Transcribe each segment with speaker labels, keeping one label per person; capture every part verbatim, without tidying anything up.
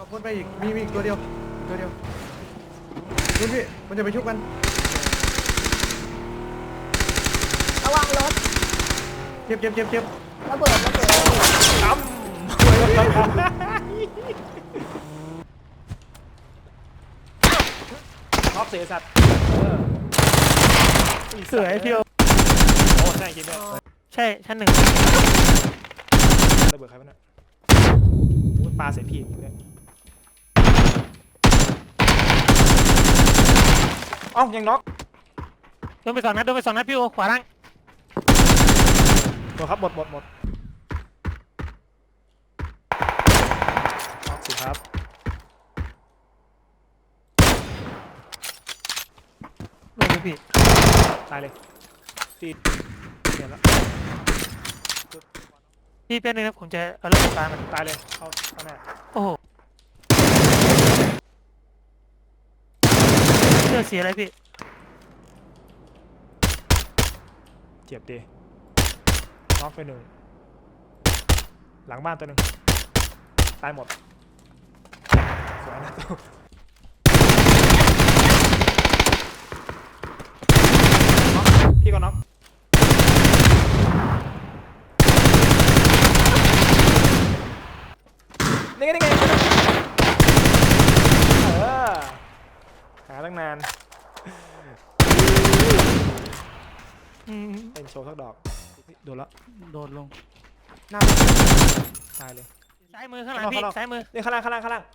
Speaker 1: คนไปอีกมีมีอีกตัวเดียวตัวเดียวดูพี่มันจะไปชุบกัน
Speaker 2: ระวังรถ
Speaker 1: เจ็บเจ็บเจ็บเจ็บ
Speaker 2: ระเบิดระเบิด
Speaker 3: ตั้มน็อกเสียสัตว์
Speaker 4: เสือไอพีโอ
Speaker 3: โอ้ใช่จริงด้วย
Speaker 4: ใช่ชั้นหนึ่ง
Speaker 3: ระเบิดใครวะเนี่ยปลาใส่พี่เนี่ยเอ้ายังน็อก
Speaker 4: โดนไปสองนัดโดนไปสองนัดพี่โอขวาล่าง
Speaker 3: หมดครับหมดหมดหมดน็อกสิครับ
Speaker 4: โดนไปพี่
Speaker 3: ตายเลยตีเห็นแล้ว
Speaker 4: พี่เป็นหนึ่งนะผมจะเอาเรื่องตายมัน
Speaker 3: ตายเลยเข้าเข้าแน่
Speaker 4: โอ้โหเสื้อสีอะไรพี่
Speaker 3: เจ็บดีน็อกไปหนึ่งหลังบ้านตัวหนึ่งตายหมดสวยนะพี่ก็น็อกนี่ไงนี่ไงเออหาตั้งนานเป็นโชว์สักดอกโดนละ
Speaker 4: โดนลง
Speaker 3: หน้าตายเลย
Speaker 4: ซ้ายมือข้างหลังพี่ซ้ายมือ
Speaker 3: นี่ข้างล่างข้างล่างข้างล่าง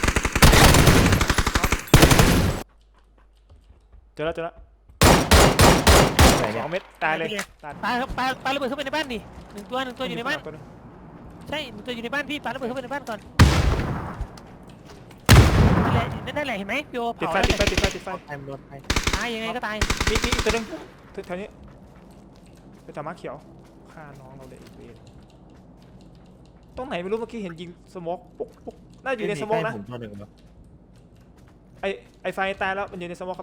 Speaker 3: เจอแล้วเจอแล้วสองเม็ดตายเลย
Speaker 4: ตายครับปาปาระเบิดเข้าไปในบ้านดิหนึ่งตัวหนึ่งตัวอยู่ในบ้านใช่หนึ่งตัวอยู่ในบ้านพี่ปาระเบิดเข้าไปในบ้านก่อนนั่นแหละนั่นแหละเห็นไหมพี่โอ
Speaker 3: ติดไฟติดไฟติดไฟติดไฟ
Speaker 1: ตายโดนไฟ
Speaker 4: ตายยังไงก็ตาย
Speaker 3: มีมีอีกตัวนึงแถวนี้เป็นตาม้าเขียวฆ่าน้องเราเลยอีกเวรตรงไหนไม่รู้เมื่อกี้เห็นยิงสโมกปุ๊กปุ๊กน่าอยู่ในสโมกนะไอไอไฟตายแล้วมันอยู่ในสโมกครับ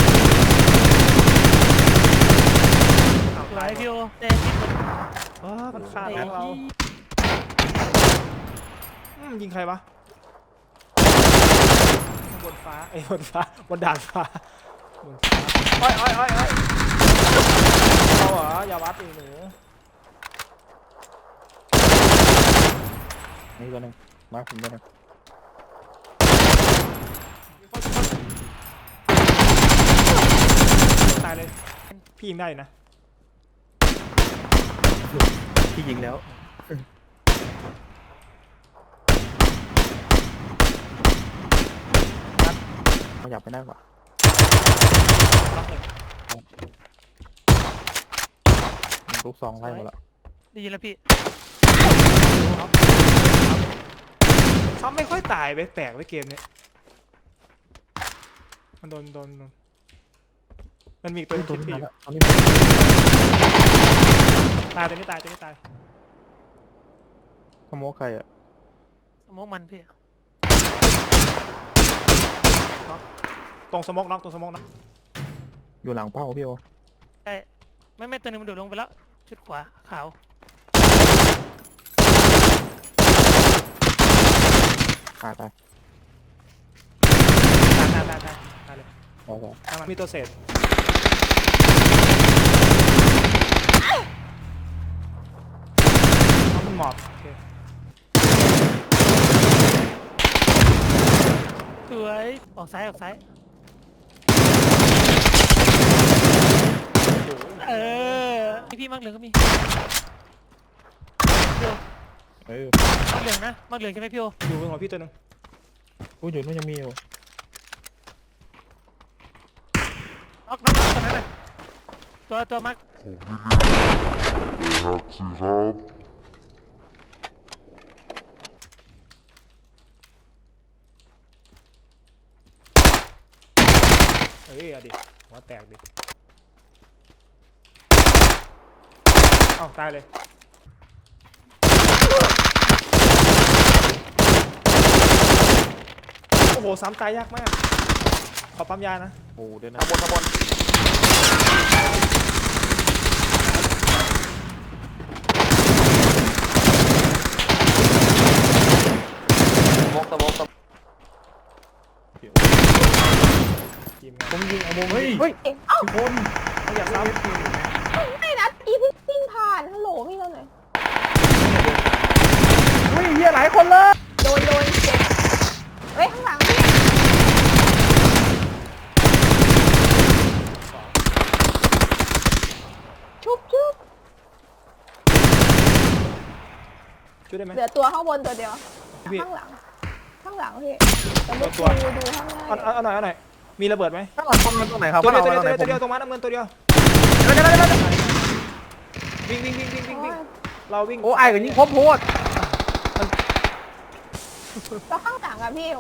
Speaker 4: ตายพี่โอเต้ที่มัน
Speaker 3: อ๋อมันฆ่าน้องเรายิงใครวะบนฟ้าไอ้บนฟ้าบนดาดฟ้าบนฟ้าอ้อยอ้อยอ้อยอ้อยเราเหรออย่าวัดอีหนู
Speaker 1: นี่ตัวนึงมาผมตัวนึง
Speaker 3: ตายเลยพี่ยิงได้นะ
Speaker 1: พี่ยิงแล้วเขาอยากไปได้กว่าลูกซองไล่หมดแล้ว
Speaker 4: ได้ยินแล้วพี่
Speaker 3: ซ้ำไม่ค่อยตายไปแปลกไปเกมนี้มันโดนโดนมันมีตัวนึงที่อยู่ตายตัวนี้ตายตัวนี้ตาย
Speaker 1: ขโมยใครอะ
Speaker 4: สมองมันพี่
Speaker 3: ตรงสมองน็อกตรงสมองน็อก
Speaker 1: อยู่หลังเป้าพี่โอ
Speaker 4: ใช่ไม่ไม่ตัวนึงมันโดดลงไปแล้วชุดขวาขาว
Speaker 1: ตายตาย
Speaker 3: ตายตายตายตายเลยตายมีตัวเศษน้องมันหมอบโอเค
Speaker 4: สวยออกซ้ายออกซ้ายเออพี่มักเหลืองก็มี
Speaker 1: เออ
Speaker 4: มักเหลืองนะมักเหลืองใช่ไหมพี่โอ
Speaker 3: อยู่บนหัวพี่ตัวนึง
Speaker 1: กูอยู่นู่นยังมีอยู่
Speaker 4: น็อกน็อกตัวนั้นเลยตัวตัวมัก
Speaker 5: ครับสิครับ
Speaker 3: เฮ้ยเอาดิหัวแตกดิอ้าวตายเลยโอ้โหซ้ำตายยากมากขอปั๊มยานะ
Speaker 1: โอ้เดี๋ยวนะ
Speaker 3: ขบวนขบวน
Speaker 1: สมกสมก
Speaker 3: ทีมงาน
Speaker 1: ผมยิงเอามุม
Speaker 2: เฮ้ยเอ้า
Speaker 1: ทุกคน
Speaker 3: เขาอยากซ้ำ
Speaker 2: ไม่นะอีพี่วิ่งผ่านฮัลโหลพี่เราหน่อย
Speaker 1: อุ้ยเฮียหลายคนเลย
Speaker 2: โดนโดนเจ็บเฮ้ยข้างหลังพี่ชุบชุบ
Speaker 3: ช่วยได้ไหม
Speaker 2: เหลือตัวข้างบนตัวเดียว
Speaker 3: พี่
Speaker 2: ข้างหลังข้างหลังพี่แต่ไม่
Speaker 3: ตัว
Speaker 2: ดูดูข้างหน้า
Speaker 3: เอาเอาเอาหน่อยเอาหน่อยมีระเบิดไหม
Speaker 1: ข้างหลังคนมันตรงไหนครับ
Speaker 3: ตัวเดียวตัว
Speaker 1: ข้างห
Speaker 3: เดี
Speaker 1: ลั
Speaker 3: ยว
Speaker 1: ง
Speaker 3: ตัวเดียว
Speaker 1: ผม
Speaker 3: ตัวเดียวตรงมาน้ำเงินตัวเดียว
Speaker 1: เดี๋ยวเดี๋ยวเดี๋ยวเดี๋ยว
Speaker 3: วิ่งวิ่งวิ่งวิ่งวิ่งวิ่งเราวิ่ง
Speaker 1: โอ้ไอ้กับยิงพบโพด
Speaker 2: แล้วข้างหลังอะพี่โอ้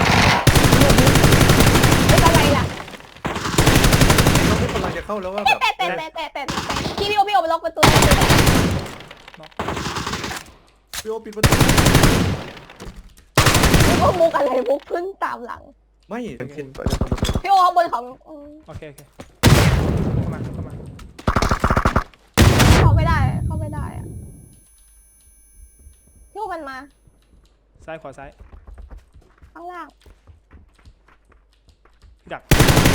Speaker 2: ไม่เป็นไรล่ะ
Speaker 1: น้องพี่กำลังจะเข้าแล้วว่าแบบ
Speaker 2: แต่แต่แต่แต่แต่แต่พี่พี่โอพี่โอไปล็อกประตู
Speaker 1: พี่โอปิดประตู
Speaker 2: พี่โอมุกอะไรมุกขึ้นตามหลัง
Speaker 1: ไม่เป็นคน
Speaker 2: พี่โอข้างบนของอืม
Speaker 3: โอเคโอเคเข้ามาเข้ามา
Speaker 2: เข้าไม่ได้เข้าไม่ได้อะพี่โอมันมา
Speaker 3: ซ้ายขวาซ้าย
Speaker 2: ข้างล่าง
Speaker 3: พี่ดัก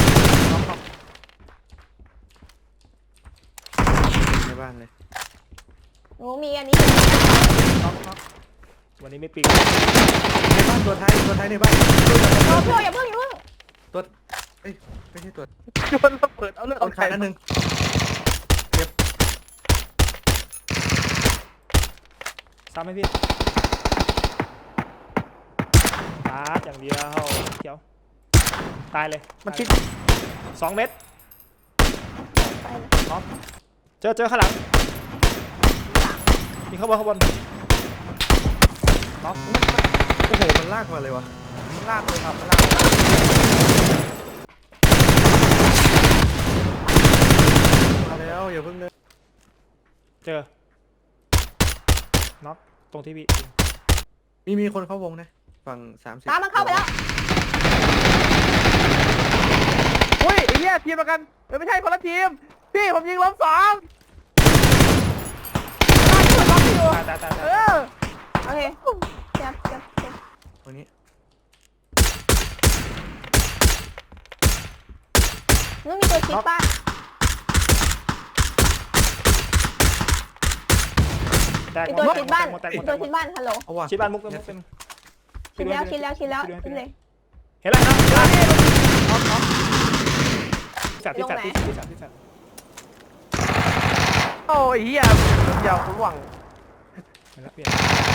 Speaker 1: ในบ้านเลย
Speaker 2: หนูมีอันนี้
Speaker 3: น็อกน็อกวันนี้ไม่ปิง
Speaker 1: ในบ้านตัวท้ายตัวท้ายในบ้าน
Speaker 2: โอ้พี่โออย่าเพิ่งอย่าเพิ่ง
Speaker 1: ตัวเอ้ยไม่ใช่ตัว
Speaker 5: โยนระเบิดเอาเลือด
Speaker 1: ต้
Speaker 5: เอา
Speaker 1: น
Speaker 5: ไข่
Speaker 1: ขานั่นหนึ่ง
Speaker 3: ซ้ำให้พี่ตาดอย่างเดียวเขียวตายเลย
Speaker 5: มันคิด
Speaker 3: สองเม็ด
Speaker 2: ไปเลย
Speaker 3: น็อกเจอเจอข้างหลังมีข้างบนข้างบนน็อก
Speaker 1: โอ้โหมันลากมาเลยวะ
Speaker 5: มันลากเลยครับมันลาก
Speaker 1: มาแล้วอย่าเพิ่งเลย
Speaker 3: เจอน็อกตรงที่พี่
Speaker 1: มีมีคนเข้าวงนะฝั่งสามสิบ
Speaker 2: ตามมันเข้าไปแล้ว
Speaker 5: อุ้ยไอ้เหี้ยทีมเดียวกันเออไม่ใช่คนละทีมพี่ผมยิงล้มสอง
Speaker 2: ล็อกอยู่
Speaker 3: ตายตายตาย
Speaker 5: เอ
Speaker 3: ตาย
Speaker 5: อ
Speaker 2: โอเคเจ็บเจ็บเจ็บ
Speaker 1: ตรงนี้
Speaker 2: นู้นมีตัวชิปป้า
Speaker 3: แตก
Speaker 2: มี
Speaker 3: หม
Speaker 2: ตัว
Speaker 3: ด
Speaker 2: ชิดบ้าน
Speaker 3: หมดแตกห
Speaker 2: มี
Speaker 3: มด
Speaker 2: ตัว
Speaker 3: แตกหม
Speaker 2: ชิ
Speaker 3: ด
Speaker 2: ดบ้านฮัลโหล
Speaker 1: เอาว่ะ
Speaker 3: ชิดบ้านมุกเป็นมุกเป็น
Speaker 2: ชิดแล้วชิดแล้วชิดแล้วชิดเลย
Speaker 3: เห็นแล้วครับน็อกน็อกที่สัตว์ที่สัตว์ที่สัตว์ที่สัตว์
Speaker 5: โอ้ยเหี้ยยาวคุณหวัง
Speaker 3: เห็นแล้วเปลี่ยน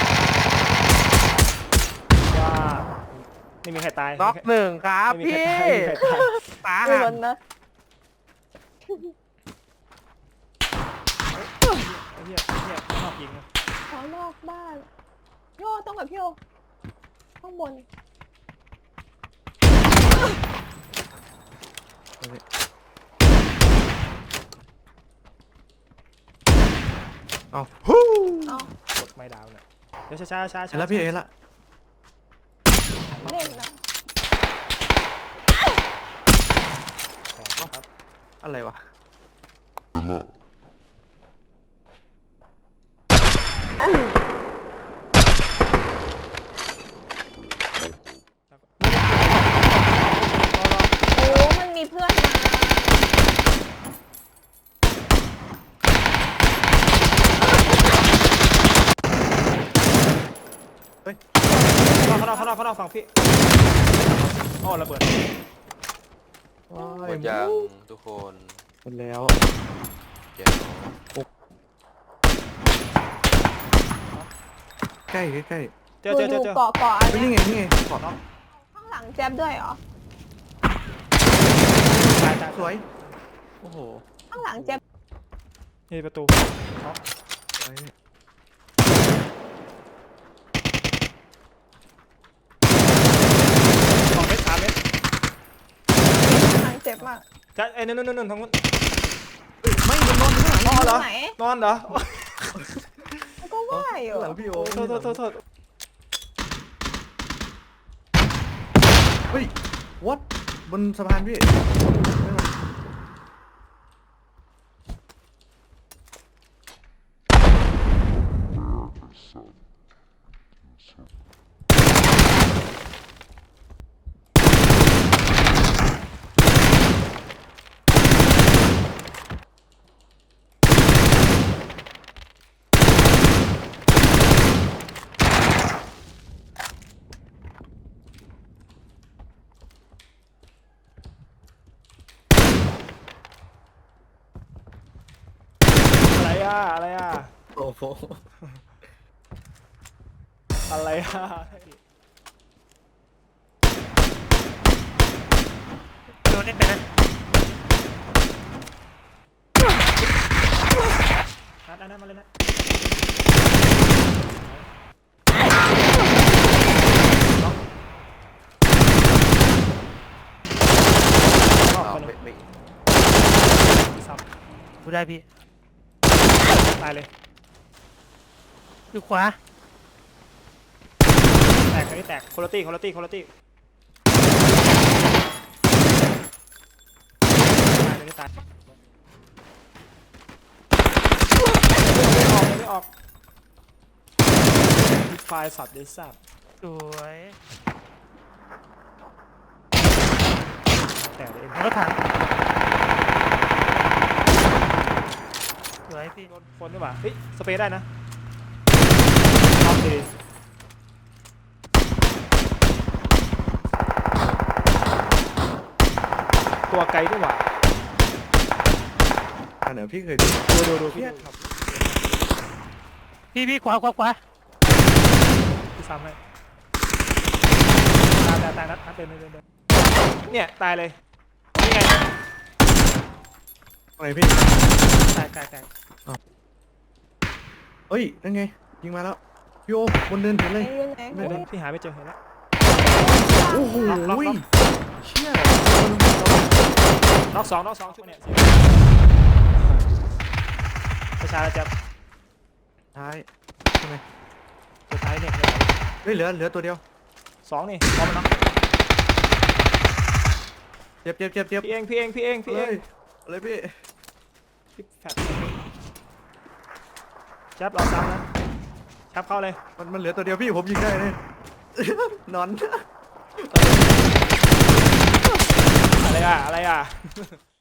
Speaker 3: ว่าไม่มีใครตาย
Speaker 5: น็อกหนึ่งครับ
Speaker 3: ไม่มี
Speaker 5: พี่
Speaker 3: ใครตายไม่มีใครตาย
Speaker 5: ตา
Speaker 2: ไม่
Speaker 5: หั
Speaker 2: ล้
Speaker 5: ก
Speaker 2: นนะ
Speaker 3: ไอ้เหี้ยไอ้เหี้ยชอบยิงนะ
Speaker 2: ขอนอกบ้านโยต้องกับพี่โอข้างบน
Speaker 1: เอา
Speaker 3: ฮู้
Speaker 2: เอา
Speaker 3: กดไม่ดาวเลยเดี๋ยวช้าช้าช้า
Speaker 1: เห็นแล้วพี่เห็นละ
Speaker 2: เล่นนะ
Speaker 3: ครับ
Speaker 1: อะไรวะ
Speaker 2: โอ้มันมีเพื่อนมา
Speaker 3: ข้างนอกข้างนอกข้างนอกฝั่งพี่อ๋อระเบิด
Speaker 1: ว้า
Speaker 6: หม
Speaker 1: ย
Speaker 6: ดยังทุกคน
Speaker 1: หมดแล้ว
Speaker 6: แก้ว
Speaker 1: ใกล้ใกล้
Speaker 3: เจอเจอเจอ
Speaker 2: ดู
Speaker 3: เจอ
Speaker 2: เกาะเกาะอัน
Speaker 1: ๆนี่
Speaker 2: เนี้ย
Speaker 1: ไงนี่ไงขอบ
Speaker 2: ข้างหลังแจ๊บด้วยเหรอ
Speaker 3: ตายตาย
Speaker 1: สวยโอ้โห
Speaker 2: ข้างหลังแจ๊บ
Speaker 3: นี่ประตู
Speaker 1: สวย
Speaker 3: สองเมตรสามเมตร
Speaker 2: ข้างหลังเจ็บมาก
Speaker 3: จะเอ้ยนู่นนู่นนู่นทางนู้น
Speaker 1: ไม่มันนอนข้างหลัง
Speaker 3: นอนเหรอ
Speaker 2: ไหน
Speaker 3: นอนเหรอ
Speaker 2: ก็ว่าอยู่
Speaker 1: ข้างหลังพี่โอ
Speaker 3: โทษโทษโทษโทษ
Speaker 1: เฮ้ย what บนสะพานพี่
Speaker 3: อ่ะอะไรอ่ะ
Speaker 1: โอ้โห
Speaker 3: อะไรอ่ะ
Speaker 4: โดนเล่นไปนะ
Speaker 3: นัดอันนั้นมาเลยนะน้อง
Speaker 6: อ้าว
Speaker 3: คนหนึ่
Speaker 6: ไม่
Speaker 3: ง
Speaker 6: ไม่
Speaker 3: ซับ
Speaker 4: ดูได้พี่
Speaker 3: ตายเลย
Speaker 4: อยู่ขวา
Speaker 3: แตกคนนี้แตกคุณตี้คุณตี้คุณตี้ตายเลยตายไม่ออกไม่ออกไฟสัตว์ได้สับ
Speaker 4: สวย
Speaker 3: แต่เลย
Speaker 4: รถถังสวยพี่
Speaker 3: คนดีกว่าเฮ้ยสเปรย์ได้นะโอเคตัวไกลดีกว่า
Speaker 1: อันไหนพี่เคยดู
Speaker 3: ดูดูดูพี่
Speaker 1: เนี่ยขับ
Speaker 4: พี่พี่ขวาขวาขวา
Speaker 3: พี่ซ้ำให้ตายตายตายนัดนัดเดินเดินเดินเดินเนี่ยตายเลยนี่ไง
Speaker 1: อะไรพี่
Speaker 3: ตายตายตาย
Speaker 1: เฮ้ยนั่นไงยิงมาแล้วพี่โอบนเดินเห็นเลย
Speaker 2: ไอ้เรื่องไหน
Speaker 3: เดินเดินพี่หาไม่เจอเห็นแล้ว
Speaker 1: โอ้โห
Speaker 3: ล็อกล็อกล็อก
Speaker 1: เชี่ย
Speaker 3: น็อกสองน็อกสองชุดเนี่ยประชาจะ
Speaker 1: ท้ายใช่ไหม
Speaker 3: สุดท้ายเนี่ย
Speaker 1: เฮ้ยเหลือเหลือตัวเดียว
Speaker 3: สองนี่พร้อมแล้ว
Speaker 1: เจ็บเจ็บเจ็บเจ็บ
Speaker 3: พี่เองพี่เองพี่เองพี่เอ
Speaker 1: เฮ้
Speaker 3: ง
Speaker 1: ยอะไรพี่
Speaker 3: พี่แฟดจับรอซ้ำนะจับเข้าเลย
Speaker 1: มันมันเหลือตัวเดียวพี่ผมยิงได้เลย นอน
Speaker 3: อะไรอ่ะอะไรอ่ะ